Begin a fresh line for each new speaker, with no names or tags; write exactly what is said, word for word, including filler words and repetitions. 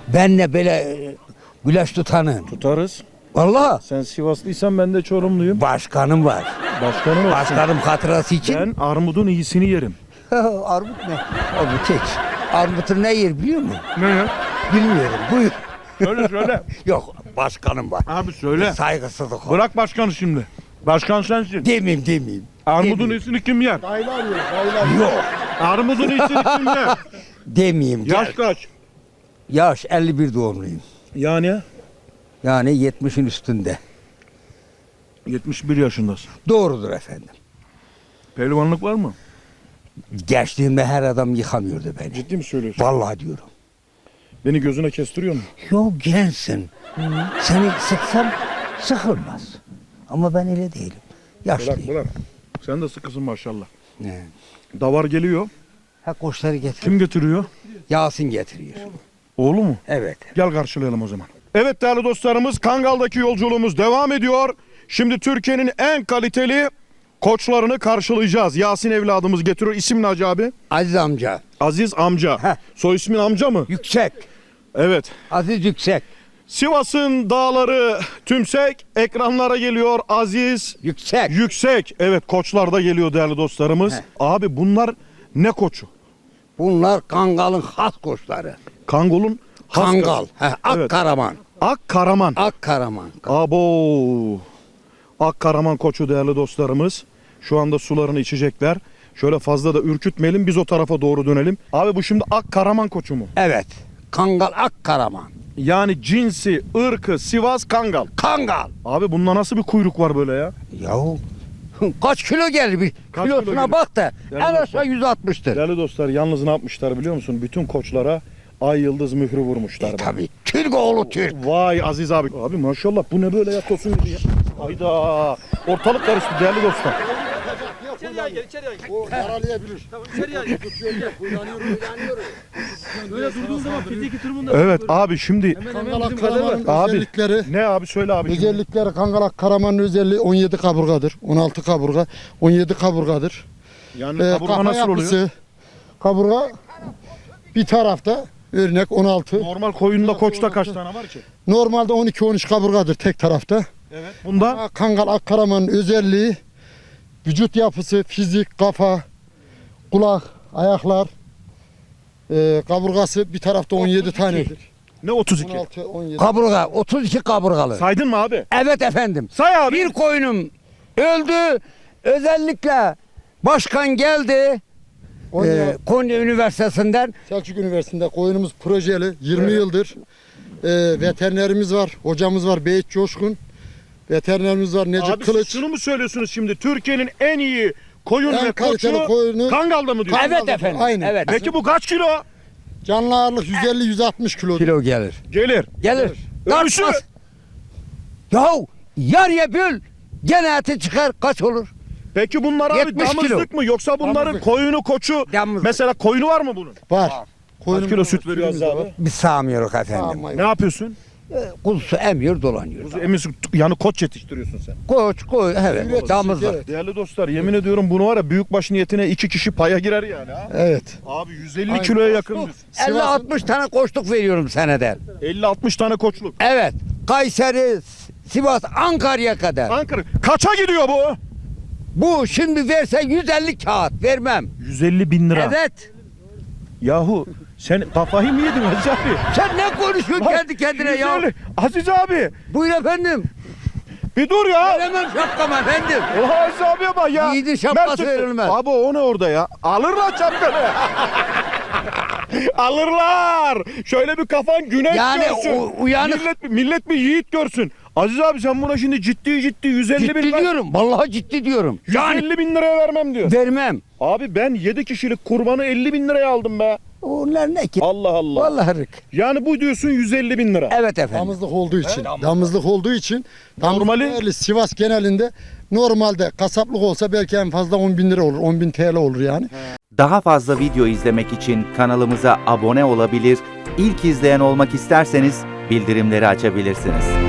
benle böyle e, güleş tutanın.
Tutarız.
Vallahi
Sen Sivaslıysan ben de Çorumluyum.
başkanım var.
Başkanım olsun.
Başkanım hatırası için.
Ben armudun iyisini yerim.
Armut ne? Armut hiç. Armut'un ne yer biliyor musun?
Ne ya?
Bilmiyorum. Buyur.
Söyle söyle.
Yok başkanım var.
Abi söyle.
Saygısızlık o.
Bırak başkanı şimdi. Başkan sensin.
Demeyeyim demeyeyim.
Armudun
Demeyeyim.
iyisini kim yer?
Dayılar yiyor, dayılar yiyor.
Yok.
Armudun iyisini kim yer?
Demeyeyim.
Yaş
Gel.
kaç?
Yaş elli bir doğumluyum.
Yani
Yani yetmişin üstünde.
yetmiş bir yaşındasın.
Doğrudur efendim.
Pehlivanlık var mı?
Gençliğimde her adam yıkamıyordu beni.
Ciddi mi söylüyorsun?
Vallahi diyorum.
Beni gözüne kestiriyor mu?
Yok gençsin. Seni sıksam sıkılmaz. Ama ben öyle değilim.
Bırak
Yaşlıyım.
bırak. Sen de sıkısın maşallah.
Ne?
Davar geliyor.
Ha koçları getir.
Kim getiriyor?
Yasin getiriyor.
Oğlu mu?
Evet.
Gel karşılayalım o zaman. Evet değerli dostlarımız, Kangal'daki yolculuğumuz devam ediyor. Şimdi Türkiye'nin en kaliteli koçlarını karşılayacağız. Yasin evladımız getiriyor. İsim ne Hacı abi?
Aziz amca.
Aziz amca.
Heh.
Soy ismin amca mı?
Yüksek.
Evet.
Aziz Yüksek.
Sivas'ın dağları tümsek, ekranlara geliyor Aziz
Yüksek.
Yüksek. Evet, koçlar da geliyor değerli dostlarımız.
Heh.
Abi bunlar ne koçu?
Bunlar Kangal'ın has koçları.
Kangol'un has
Kangal.
koçu.
He, Akkaraman.
Ak Karaman.
Akkaraman.
Abo. Ak Karaman koçu değerli dostlarımız. Şu anda sularını içecekler. Şöyle fazla da ürkütmeyelim, biz o tarafa doğru dönelim. Abi bu şimdi Ak Karaman koçu mu?
Evet. Kangal Akkaraman.
Yani cinsi, ırkı, Sivas Kangal.
Kangal.
Abi bunda nasıl bir kuyruk var böyle ya?
Yahu kaç kilo gelir bir
Kaç
kilosuna
kilo gelir?
bak da
Yani
en
bak-
aşağı yüz altmıştır.
Değerli dostlar, yalnız ne yapmışlar biliyor musun? Bütün koçlara ay yıldız mührü vurmuşlar.
E,
bak.
tabii. Türk oğlu Türk.
Vay Aziz abi. Abi maşallah bu ne böyle ya, tosun gibi ya. Hayda. Ortalık karıştı değerli dostlar.
İçeriye gel, içeriye gel. O yaralayabilir.
Tamam içeriye gel. Böyle durduğun zaman fiziki durumunda.
Evet abi şimdi
Kangalak Karaman'ın
Abi.
özellikleri,
ne abi söyle abi. şimdi.
özellikleri Kangalak Karaman'ın özelliği on yedi kaburgadır. on altı kaburga, on yedi kaburgadır.
Yani
Ee,
kaburga
kafa
nasıl oluyor?
yapısı, kaburga bir tarafta örnek on altı.
Normal koyunda koçta kaç tane var ki?
Normalde on iki on üç kaburgadır tek tarafta.
Evet. Bunda
Ama Kangal Akkaraman'ın özelliği vücut yapısı, fizik, kafa, kulak, ayaklar, e, kaburgası bir tarafta on yedi tanedir.
ne otuz
on
iki?
altı on yedi.
Kaburga otuz iki kaburgalı.
Saydın mı abi?
Evet efendim.
Say abi.
Bir koyunum öldü. Özellikle başkan geldi.
Konya,
E, Konya Üniversitesi'nden.
Selçuk Üniversitesi'nde koyunumuz projeli yirmi yıldır. E, veterinerimiz var, hocamız var Beyit Coşkun. Veterinerimiz var Necip
Abi siz
Kılıç.
şunu mu söylüyorsunuz şimdi? Türkiye'nin en iyi koyun
En
ve
kaliteli
koçu
koyunu-
Kangal'da mı diyor?
Kan-
Evet efendim.
Aynen.
Evet.
Peki bu kaç kilo?
Canlı ağırlık yüz elli yüz altmış kilo.
Kilo gelir.
Gelir.
Gelir.
Ölçü.
Tartmaz. Yahu yarıya böl. Gene eti çıkar kaç olur?
Peki bunlar abi
yetmiş kilo.
damızlık mı yoksa bunların
Damızlık.
koyunu koçu
Damızlık.
mesela koyunu var mı bunun?
Var.
Kaç kilo süt veriyor
sürümüz de
abi?
var.
Biz sağmıyoruz efendim.
Ama
Ne yapıyorsun?
E, Kuzusu emiyor dolanıyor.
Kuzu emiyorsun, yani koç yetiştiriyorsun sen.
Koç koy evet
Evet,
damızlık.
evet.
Değerli dostlar, yemin ediyorum bunu var ya büyükbaş niyetine iki kişi paya girer yani ha.
Evet.
Abi yüz elli
Aynen.
kiloya yakın.
elli altmış tane koçluk veriyorum senede.
elli altmış tane koçluk.
Evet. Kayseri, Sivas, Ankara'ya kadar.
Ankara. Kaça gidiyor bu?
Bu şimdi verse yüz elli kağıt vermem.
yüz elli bin lira.
Evet.
Yahu sen kafayı mı yedin Aziz abi?
Sen ne konuşuyorsun
Bak,
kendi kendine ya?
yüz elli. Aziz abi
Buyur efendim.
bir dur ya.
Veremem şapkamı efendim.
Oha Aziz abiye bak ya.
Yiğidin şapkası
Mert çıktı.
verilmez.
Abi o ne orada ya? Alırlar şapkanı. Alırlar. Şöyle bir kafan güneş
Yani
görsün.
u- uyanık-
Millet, millet bir yiğit görsün. Aziz abi sen buna şimdi ciddi ciddi yüz elli bin
Ciddi
ver-
diyorum. Vallahi ciddi diyorum.
yüz
Yani
elli bin liraya vermem diyor.
vermem.
Abi ben yedi kişilik kurbanı elli bin liraya aldım be.
Onlar ne ki?
Allah Allah.
Vallahi rık.
Yani bu diyorsun yüz elli bin lira.
Evet efendim.
Damızlık olduğu için. Damızlık olduğu için.
Normali-
Normali Sivas genelinde normalde kasaplık olsa belki en fazla on bin lira olur. on bin T L olur yani.
Daha fazla video izlemek için kanalımıza abone olabilir, ilk izleyen olmak isterseniz bildirimleri açabilirsiniz.